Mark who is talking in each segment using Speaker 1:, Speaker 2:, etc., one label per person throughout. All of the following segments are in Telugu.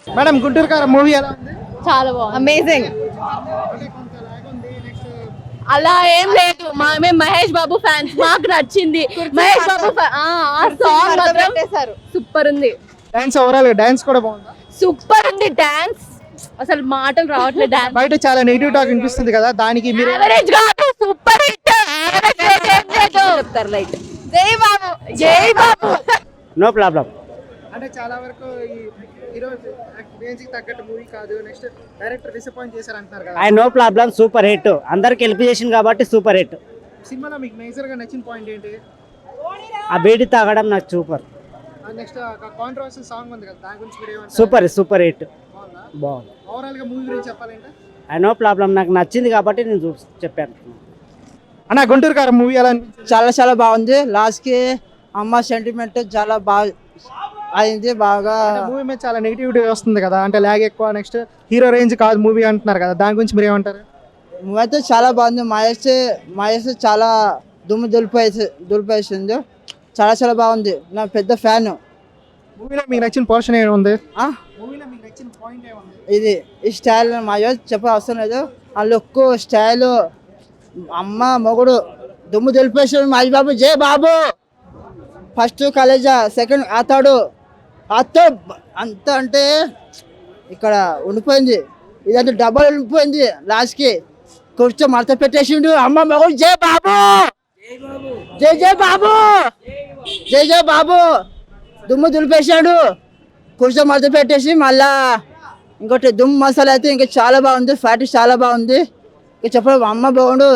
Speaker 1: మేడం గుంటూరు కారం మూవీ ఎలా ఉంది?
Speaker 2: చాలా బాగుంది, అమేజింగ్.
Speaker 1: అంటే కొంత లాగ్ ఉంది. నెక్స్ట్
Speaker 2: అలా ఏం లేదు, మేము మహేష్ బాబు ఫ్యాన్స్, మాకు నచ్చింది మహేష్ బాబు. ఆ సాంగ్ మాత్రం సూపర్ ఉంది.
Speaker 1: డాన్స్ ఓవరాల్ డాన్స్ కూడా బాగుందా?
Speaker 2: సూపర్ ఉంది డాన్స్, అసలు మాటలు రావట్లేదు. డాన్స్
Speaker 1: బయట చాలా నెగిటివ్ టాక్ వినిపిస్తుంది కదా, దానికి మీరు
Speaker 2: యావరేజ్ కాదు, సూపర్ హిట్. చెప్తారు లైక్ జై బాబు, జై బాబు.
Speaker 3: No problem.
Speaker 1: అంటే చాలా వరకు ఈ హీరో రేంజ్ కి తగ్గట్టు మూవీ కాదు, నెక్స్ట్ డైరెక్టర్ డిసప్పాయింట్ చేశారు అంటున్నారు కదా.
Speaker 3: No problem, super hit. అందరికి హెల్ప్ చేసింది కాబట్టి సూపర్ హిట్.
Speaker 1: సినిమాలో మీకు మేజర్ గా నచ్చిన పాయింట్ ఏంటి?
Speaker 3: ఆ బీడి తాగడం నాకు సూపర్.
Speaker 1: నెక్స్ట్ కాంట్రవర్షియల్ సాంగ్ ఉంది కదా, దాని గురించి మీరు ఏమంటారు?
Speaker 3: Super hit.
Speaker 1: బాగుందా?
Speaker 3: బాగుంది.
Speaker 1: ఓవరాల్ గా మూవీ గురించి చెప్పాలంటే
Speaker 3: నో ప్రాబ్లం, నాకు నచ్చింది కాబట్టి నేను చెప్పాను.
Speaker 1: అన్న గుంటూరు కారం మూవీ ఎలా అనిపించింది?
Speaker 4: చాలా బాగుంది. లాస్ట్ కి అమ్మ సెంటిమెంట్ చాలా బాగా అయింది. బాగా
Speaker 1: మూవీ మీద చాలా నెగిటివిటీ వస్తుంది కదా, అంటే లాగ్ ఎక్కువ, నెక్స్ట్ హీరో రేంజ్ కాదు మూవీ అంటున్నారు కదా, దాని గురించి మీరు ఏమంటారు?
Speaker 4: మూవీ అయితే చాలా బాగుంది. మహేష్ చాలా దుమ్ము దులిపేసింది. చాలా బాగుంది. నా పెద్ద ఫ్యాన్.
Speaker 1: మూవీలో మీకు నచ్చిన పోర్షన్ ఏముంది? మూవీలో మీకు నచ్చిన పాయింట్ ఏముంది?
Speaker 4: ఇది ఈ స్టైల్ మహేష్ చెప్ప అవసరం లేదు. ఆ లుక్ స్టైల్, అమ్మ మొగుడు దుమ్ము దులిపేసాడు మహేష్ బాబు. జై బాబు. ఫస్ట్ కాలేజా, సెకండ్ అతడు అంత అంటే ఇక్కడ ఉండిపోయింది. ఇదంతా డబ్బులు ఉండిపోయింది. లాస్ట్కి కూర్చో మడత పెట్టేసిండు. అమ్మ మగడు జై బాబు, జై బాబు, జై బాబు. దుమ్ము దులిపేసాడు. కూర్చో మడత పెట్టేసి మళ్ళా ఇంకోటి దుమ్ము మసాలా అయితే ఇంకా చాలా బాగుంది. ఫ్యాట్ చాలా బాగుంది. ఇంకా చెప్పడం అమ్మ బాగుండు.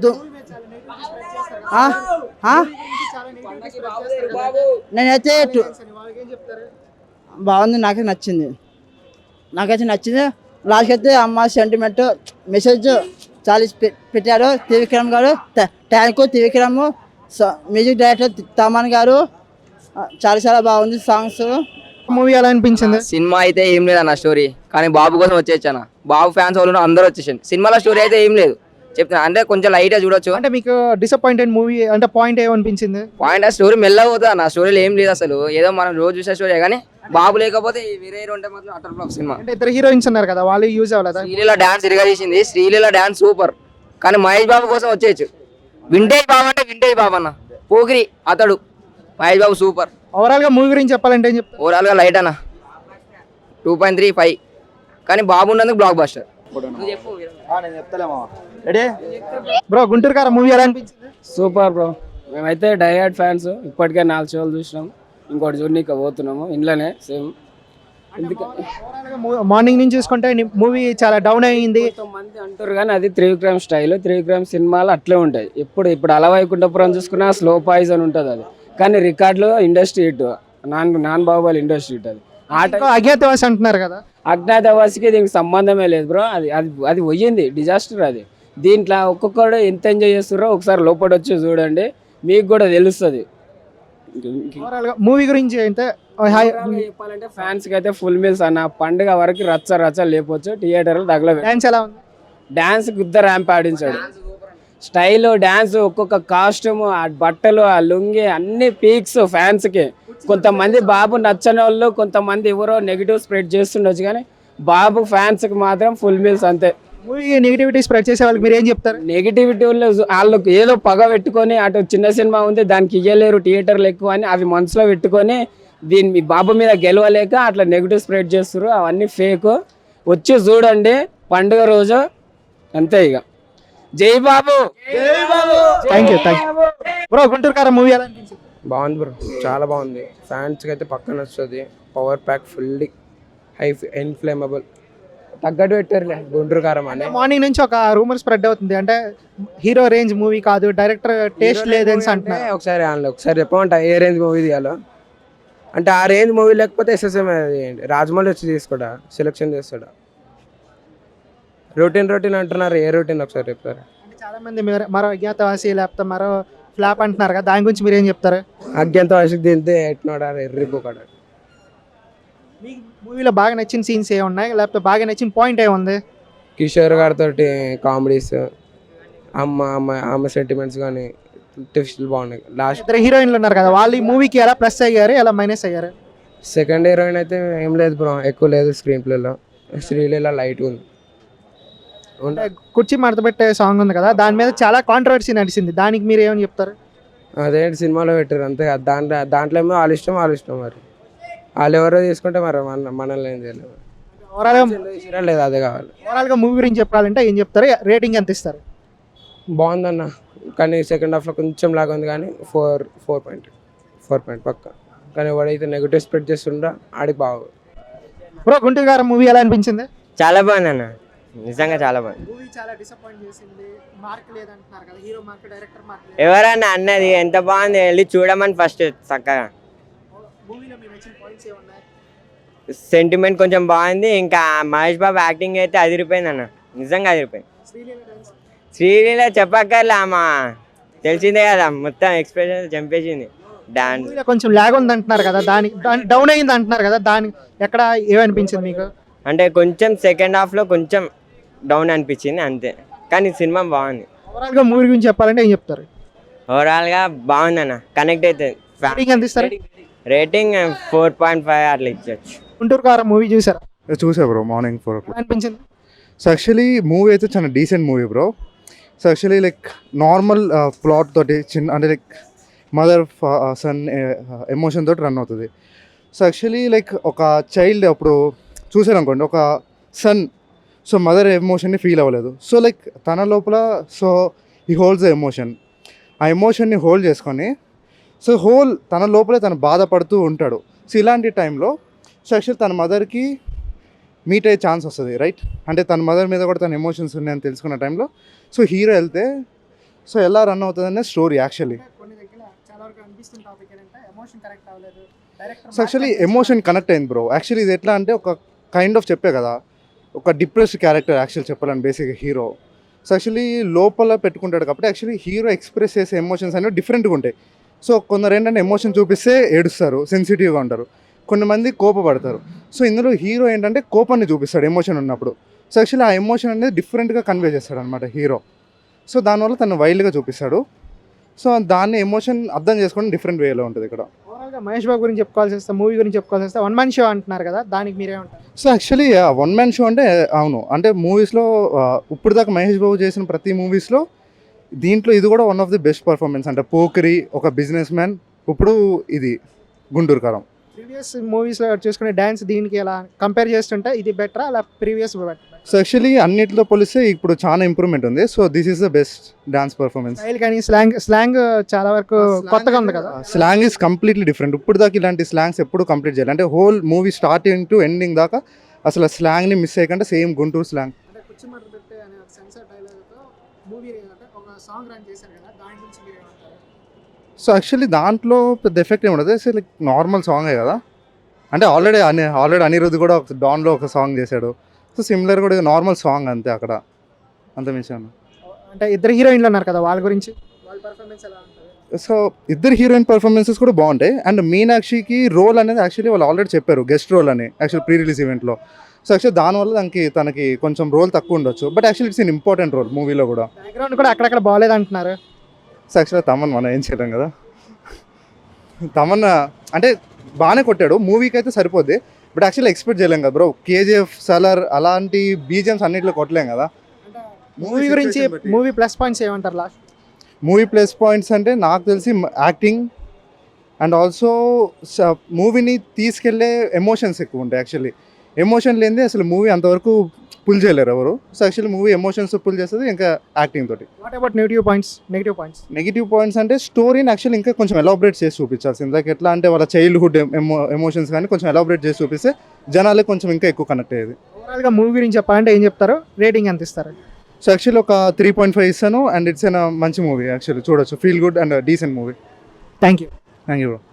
Speaker 4: నేనైతే బాగుంది, నాకైతే నచ్చింది. లాస్ట్ అయితే అమ్మ సెంటిమెంట్ మెసేజ్ చాలా పెట్టారు త్రివిక్రమ్ గారు. Thank you Trivikram. Music director Thaman గారు. చాలా బాగుంది సాంగ్స్.
Speaker 1: మూవీ ఎలా అనిపించింది?
Speaker 5: సినిమా అయితే ఏం లేదు అన్న, స్టోరీ కానీ బాబు కోసం వచ్చేసాను. బాబు ఫ్యాన్స్ వాళ్ళు అందరూ వచ్చేసాను. సినిమాలో స్టోరీ అయితే ఏం లేదు చెప్తున్నా, అంటే కొంచెం లైట్ గా చూడొచ్చు.
Speaker 1: అంటే మీకు డిసప్పాయింటెడ్ మూవీ అంటే పాయింట్ ఏమనిపించింది?
Speaker 5: పాయింట్ ఆ స్టోరీ మెల్లగా పోతుంది అన్న, స్టోరీలో ఏం లేదు అసలు. ఏదో మనం రోజు చూసే స్టోరీ కానీ బాబు లేకపోతే వేరే హీరో ఉంటే మాత్రం అటర్ ఫ్లాప్ సినిమా.
Speaker 1: అంటే ఇద్దరు హీరోయిన్స్ ఉన్నారు కదా, వాళ్ళు యూజ్ అవ్వలేదా?
Speaker 5: శ్రీలీల డాన్స్ ఇరగా చేసింది. శ్రీలీల డాన్స్ సూపర్, కానీ మహేష్ బాబు కోసం వచ్చేయచ్చు. వింటేజ్ బాబు అంటే వింటేజ్ బాబు అన్న, పోగిరి అతడు. మహేష్ బాబు సూపర్.
Speaker 1: ఓవరాల్ గా మూవీ గురించి చెప్పాలంటే ఏం చెప్తారు?
Speaker 5: ఓవరాల్ గా లైట్ అన్న 2.35, కానీ బాబు ఉన్నందుకు block buster.
Speaker 1: Bro Guntur Kaaram movie ఎలా అనిపించింది?
Speaker 6: సూపర్ బ్రో, మేమైతే డైహార్డ్ ఫ్యాన్స్. ఇప్పటికే 4 షోలు చూసినాం, ఇంకోటి చూడనీకి పోతున్నాము ఇంట్లోనే సేమ్.
Speaker 1: మార్నింగ్ నుంచి చూసుకుంటే మూవీ చాలా డౌన్ అయింది
Speaker 6: కొంతమంది అంటారు, కానీ అది త్రివిక్రమ్ స్టైల్. త్రివిక్రమ్ సినిమాలు అట్లే ఉంటాయి. ఇప్పుడు అలవైకుంఠపురం చూసుకున్నా స్లో పాయిజన్ ఉంటుంది అది, కానీ రికార్డులో industry hit. Non Baahubali industry hit అది.
Speaker 1: అజ్ఞాతవాసి అంటున్నారు కదా,
Speaker 6: అజ్ఞాతవాసికి దీనికి సంబంధమే లేదు బ్రో. అది పోయింది డిజాస్టర్ అది. దీంట్లో ఒక్కొక్కడు ఎంత ఎంజాయ్ చేస్తారో ఒకసారి లోపల వచ్చి చూడండి, మీకు కూడా తెలుస్తుంది.
Speaker 1: మూవీ గురించి అయితే
Speaker 6: చెప్పాలంటే ఫ్యాన్స్ కి అయితే ఫుల్ మీల్స్ అన్న. పండుగ వరకు రచ్చ లేకపోవచ్చు. థియేటర్లు తగలదు.
Speaker 1: డాన్స్ ఎలా ఉంది?
Speaker 6: డాన్స్ గుద్ద ర్యాంప్ ఆడించాడు. స్టైల్ డాన్స్, ఒక్కొక్క కాస్ట్యూమ్, ఆ బట్టలు, ఆ లుంగి, అన్ని పీక్స్ ఫ్యాన్స్ కి. కొంతమంది బాబు నచ్చని వాళ్ళు, కొంతమంది ఎవరో నెగిటివ్ స్ప్రెడ్ చేస్తుండొచ్చు, కానీ బాబు ఫ్యాన్స్ కి మాత్రం ఫుల్ మీల్స్ అంతే.
Speaker 1: మూవీ నెగిటివిటీ స్ప్రెడ్ చేసే వాళ్ళకి మీరు ఏం చెప్తారు?
Speaker 6: నెగిటివిటీ వాళ్ళకి ఏదో పగ పెట్టుకొని, అటు చిన్న సినిమా ఉంది దానికి ఇయ్యలేరు థియేటర్లు ఎక్కువ అని అవి మనసులో పెట్టుకొని దీన్ని బాబు మీద గెలవలేక అట్లా నెగిటివ్ స్ప్రెడ్ చేస్తారు. అవన్నీ ఫేక్. వచ్చి చూడండి పండుగ రోజు అంతే. ఇక జై Babu.
Speaker 1: Thank you bro. Guntur Kaaram movie ఎలా అనిపించింది?
Speaker 7: బాగుంది బ్రో, చాలా బాగుంది. ఫ్యాన్స్కి అయితే పక్కన వస్తుంది. Power pack fully high inflammable తగ్గట్టు పెట్టారులే గుంటూరు కారం అని.
Speaker 1: మార్నింగ్ నుంచి ఒక రూమర్ స్ప్రెడ్ అవుతుంది, అంటే హీరో రేంజ్ మూవీ కాదు, డైరెక్టర్ టేస్ట్ లేదని అంటున్నారు.
Speaker 7: ఒకసారి చెప్పమంట ఏ రేంజ్ మూవీ తీయాలో. అంటే ఆ రేంజ్ మూవీ లేకపోతే ఎస్ఎస్ఎం రాజమౌళి వచ్చి తీసుకోడా, సెలెక్షన్ చేస్తాడా? రొటీన్ అంటున్నారు. ఏ రొటీన్ ఒకసారి చెప్తారు?
Speaker 1: చాలా మంది మరో అజ్ఞాతవాసి లేకపోతే మరో ఫ్లాప్ అంటున్నారు కదా, దాని గురించి మీరు ఏం చెప్తారు?
Speaker 7: అజ్ఞాతవాసికి తింటే ఎట్టినోడా ఎర్రిపోకాడు.
Speaker 1: మీకు మూవీలో బాగా నచ్చిన సీన్స్ ఏమున్నాయి, లేకపోతే బాగా నచ్చిన పాయింట్ ఏముంది?
Speaker 7: కిషోర్ గారితో కామెడీస్, అమ్మ సెంటిమెంట్స్ కానీ ట్విస్టులు బాగున్నాయి. లాస్ట్
Speaker 1: ఇద్దరు హీరోయిన్లు ఉన్నారు కదా, వాళ్ళు ఈ మూవీకి ఎలా ప్లస్ అయ్యారు, ఎలా మైనస్ అయ్యారు?
Speaker 7: సెకండ్ హీరోయిన్ అయితే ఏం లేదు బ్రో, ఎక్కువ లేదు స్క్రీన్ ప్లేలో. శ్రీలీల లైట్ ఉంది.
Speaker 1: అంటే కుర్చీ మడతపెట్టే సాంగ్ ఉంది కదా, దాని మీద చాలా కాంట్రవర్సీ నడిచింది, దానికి మీరు ఏమని చెప్తారు?
Speaker 7: అదేంటి సినిమాలో పెట్టారు అంతే కదా. దాంట్లో ఏమో వాళ్ళ ఇష్టం మరి వాళ్ళు ఎవరో తీసుకుంటే మరి మనల్ని ఏం చేయలేదు.
Speaker 1: ఓవరాల్గా
Speaker 7: లేదు అదే కావాలి.
Speaker 1: ఓవరాల్గా మూవీ గురించి చెప్పాలంటే ఏం చెప్తారు, రేటింగ్ ఎంత ఇస్తారు?
Speaker 7: బాగుందన్న, కానీ సెకండ్ హాఫ్లో కొంచెం లాగా ఉంది, కానీ 4 పక్క. కానీ ఎవడైతే నెగిటివ్ స్ప్రెడ్ చేస్తుండో ఆడికి బాగు.
Speaker 1: బ్రో గుంటూరు గారు మూవీ ఎలా అనిపించింది?
Speaker 3: చాలా బాగుంది అన్న, నిజంగా చాలా బాగుంది.
Speaker 1: మూవీ చాలా డిసప్పాయింట్ చేసింది, మార్క్ లేదంటున్నారు కదా, హీరో మార్క్, డైరెక్టర్ మార్క్.
Speaker 3: ఎవరన్నా అన్నది ఎంత బాగుంది, వెళ్ళి చూడమని ఫస్ట్ చక్కగా.
Speaker 1: మూవీలో మీకు నచ్చిన పాయింట్స్ ఏమున్నాయి?
Speaker 3: సెంటిమెంట్ కొంచెం బాగుంది, ఇంకా మహేష్ బాబు యాక్టింగ్ అయితే అదిరిపోయింది అన్న, నిజంగా అదిరిపోయింది.
Speaker 1: శ్రీలీల డాన్స్
Speaker 3: శ్రీలీల చెప్పక్కర్లే, అమ్మా తెలిసిందే కదా, మొత్తం ఎక్స్ప్రెషన్ చంపేసింది. డాన్స్
Speaker 1: మూవీలో కొంచెం లాగ్ ఉంది అంటున్నారు కదా, దానికి డౌన్ అయింది అంటున్నారు కదా, దానికి ఎక్కడ ఏమనిపించింది మీకు?
Speaker 3: అంటే కొంచెం సెకండ్ హాఫ్లో కొంచెం డౌన్ అనిపించింది అంతే, కానీ సినిమా బాగుంది.
Speaker 1: ఓవరాల్గా మూవీ గురించి చెప్పాలంటే ఏం చెప్తారు?
Speaker 3: ఓవరాల్గా బాగుంది అన్న, కనెక్ట్ అవుతుంది.
Speaker 1: రేటింగ్ ఎంత ఇస్తారు?
Speaker 3: రేటింగ్ 4.5 అట్లా ఇచ్చొచ్చు.
Speaker 1: గుంటూరు గారు మూవీ చూసారా?
Speaker 8: చూసా బ్రో, మార్నింగ్ 4 o'clock.
Speaker 1: ఎలా అనిపించింది?
Speaker 8: సో యాక్చువల్లీ మూవీ అయితే చాలా decent movie bro. So actually like normal plot తోటి చిన్న, అంటే లైక్ మదర్ సన్ ఎమోషన్ తోటి రన్ అవుతుంది. సో యాక్చువల్లీ లైక్ ఒక చైల్డ్ అప్పుడు చూసారు అనుకోండి, ఒక సన్ సో మదర్ ఎమోషన్ని ఫీల్ అవ్వలేదు. సో లైక్ తన లోపల సో ఈ హోల్డ్స్ ద ఎమోషన్, ఆ ఎమోషన్ని హోల్డ్ చేసుకొని సో తన లోపలే తను బాధపడుతూ ఉంటాడు. సో ఇలాంటి టైంలో సో యాక్చువల్లీ తన మదర్కి మీట్ అయ్యే ఛాన్స్ వస్తుంది, రైట్? అంటే తన మదర్ మీద కూడా తన ఎమోషన్స్ ఉన్నాయని తెలుసుకున్న టైంలో సో హీరో వెళ్తే సో ఎలా రన్ అవుతుంది అనే స్టోరీ యాక్చువల్లీ.
Speaker 1: కొన్ని దగ్గర చాలా వరకు అనిపిస్తున్న టాపిక్ ఏంటంటే ఎమోషన్ కనెక్ట్ అవ్వలేదు, director
Speaker 8: so actually emotion connect అయింది బ్రో. యాక్చువల్లీ ఇది ఎట్లా అంటే ఒక కైండ్ ఆఫ్ చెప్పే కదా, ఒక డిప్రెస్డ్ క్యారెక్టర్ యాక్చువల్ చెప్పాలని బేసిక్గా హీరో. సో యాక్చువల్లీ లోపల పెట్టుకుంటాడు కాబట్టి యాక్చువల్లీ హీరో ఎక్స్ప్రెస్ చేసే ఎమోషన్స్ అనేవి డిఫరెంట్గా ఉంటాయి. సో కొందరు ఏంటంటే ఎమోషన్ చూపిస్తే ఏడుస్తారు, సెన్సిటివ్గా ఉంటారు, కొంతమంది కోపపడతారు. సో ఇందులో హీరో ఏంటంటే కోపాన్ని చూపిస్తాడు ఎమోషన్ ఉన్నప్పుడు. సో యాక్చువల్లీ ఆ ఎమోషన్ అనేది డిఫరెంట్గా కన్వే చేస్తాడు అనమాట హీరో. సో దానివల్ల తను వైల్డ్గా చూపిస్తాడు. సో దాన్ని ఎమోషన్ అర్థం చేసుకోవడం డిఫరెంట్ వేలో ఉంటుంది ఇక్కడ.
Speaker 1: ఓవరాల్గా మహేష్ బాబు గురించి చెప్పుకోవాల్సి వస్తే, మూవీ గురించి చెప్పుకోవాల్సి వస్తే, వన్ మ్యాన్ షో అంటున్నారు కదా, దానికి మీరేమంటారు?
Speaker 8: So actually one man show అంటే అవును, అంటే మూవీస్లో ఇప్పుడు దాకా మహేష్ బాబు చేసిన ప్రతి మూవీస్లో దీంట్లో ఇది కూడా one of the best performance. అంటే పోకిరి, ఒక బిజినెస్ మ్యాన్, ఇప్పుడు ఇది గుంటూరు కారం.
Speaker 1: ప్రీవియస్ మూవీస్లో చూసుకునే డ్యాన్స్ దీనికి ఎలా కంపేర్ చేస్తుంటే ఇది బెటరా అలా ప్రీవియస్?
Speaker 8: సో యాక్చువల్లీ అన్నిటితో పోలిస్తే ఇప్పుడు చాలా ఇంప్రూవ్మెంట్ ఉంది. So this is the best dance performance.
Speaker 1: Style కానీ స్లాంగ్ చాలా వరకు కొత్తగా ఉంది కదా.
Speaker 8: Slang is completely different. ఇప్పుడు దాకా ఇలాంటి స్లాంగ్స్ ఎప్పుడు కంప్లీట్ చేయాలి, అంటే whole movie starting to ending దాకా అసలు ఆ స్లాంగ్ని మిస్ చేయకుండా సేమ్ గుంటూరు స్లాంగ్.
Speaker 1: అంటే కుర్చీమట్ట పెట్టే అనే ఒక సెన్సార్ డైలాగ్తో మూవీ ఒక సాంగ్ రన్ చేశారు కదా, దాని గురించి మీరు ఏమంటారు?
Speaker 8: సో యాక్చువల్లీ దాంట్లో పెద్ద ఎఫెక్ట్ ఏమి ఉండదు, సో లైక్ నార్మల్ సాంగే కదా. అంటే ఆల్రెడీ అనిరుద్ధ్ కూడా ఒక డాన్లో ఒక సాంగ్ చేశాడు. సో సిమిలర్ కూడా నార్మల్ సాంగ్ అంతే, అక్కడ అంత మించాను.
Speaker 1: అంటే ఇద్దరు హీరోయిన్లు ఉన్నారు కదా, వాళ్ళ గురించి వాళ్ళ పర్ఫార్మెన్స్ ఎలా ఉంటుంది?
Speaker 8: సో ఇద్దరు హీరోయిన్ పర్ఫార్మెన్సెస్ కూడా బాగుంటాయి. అండ్ మీనాక్షికి రోల్ అనేది యాక్చువల్లీ వాళ్ళు ఆల్రెడీ చెప్పారు, గెస్ట్ రోల్ అని యాక్చువల్ ప్రీ రిలీజ్ ఈవెంట్లో. సో యాక్చువల్లీ దానివల్ల తనకి కొంచెం రోల్ తక్కువ ఉండొచ్చు, but actually it's in important role మూవీలో కూడా.
Speaker 1: బ్యాక్గ్రౌండ్ కూడా అక్కడక్కడ బాగాలేదు అంటున్నారు.
Speaker 8: సో యాక్చువల్లీ తమన్ మనం ఏం చేయడం కదా, తమన్ అంటే బాగానే కొట్టాడు, మూవీకి అయితే సరిపోద్ది, బట్ యాక్చువల్లీ ఎక్స్పెక్ట్ చేయలేం కదా బ్రో. కేజీఎఫ్, సలార్ అలాంటి బీజిఎమ్స్ అన్నింటిలో కొట్టలేం కదా.
Speaker 1: మూవీ గురించి మూవీ ప్లస్ పాయింట్స్ ఏమంటారు లాస్ట్?
Speaker 8: మూవీ ప్లస్ పాయింట్స్ అంటే నాకు తెలిసి యాక్టింగ్ అండ్ ఆల్సో మూవీని తీసుకెళ్లే ఎమోషన్స్ ఎక్కువ ఉంటాయి. యాక్చువల్లీ ఎమోషన్ లేనిదే అసలు మూవీ అంతవరకు పుల్ చేయలేరు ఎవరు. So actually movie emotions pull చేస్తుంది ఇంకా యాక్టింగ్ తోటి.
Speaker 1: వాట్ అబౌట్ నెగిటివ్ పాయింట్స్
Speaker 8: అంటే స్టోరీని యాక్చువల్లీ ఇంకా కొంచెం ఎలాబరేట్ చేసి చూపించాల్సింది. లైక్ ఎట్లా అంటే వాళ్ళ చైల్డ్హుడ్ ఎమోషన్స్ కానీ కొంచెం ఎలాబరేట్ చేసి చూపిస్తే జనాలే కొంచెం ఇంకా ఎక్కువ కనెక్ట్ అయ్యేది.
Speaker 1: ఓవరాల్గా మూవీ గురించి చెప్పాలంటే ఏం చెప్తారు, రేటింగ్ ఎంత ఇస్తారు?
Speaker 8: సో యాక్చువల్లీ ఒక 3.5 ఇస్తాను. అండ్ ఇట్స్ మంచి మూవీ, యాక్చువల్లీ చూడొచ్చు, feel good and decent movie.
Speaker 1: Thank you
Speaker 8: thank you bro.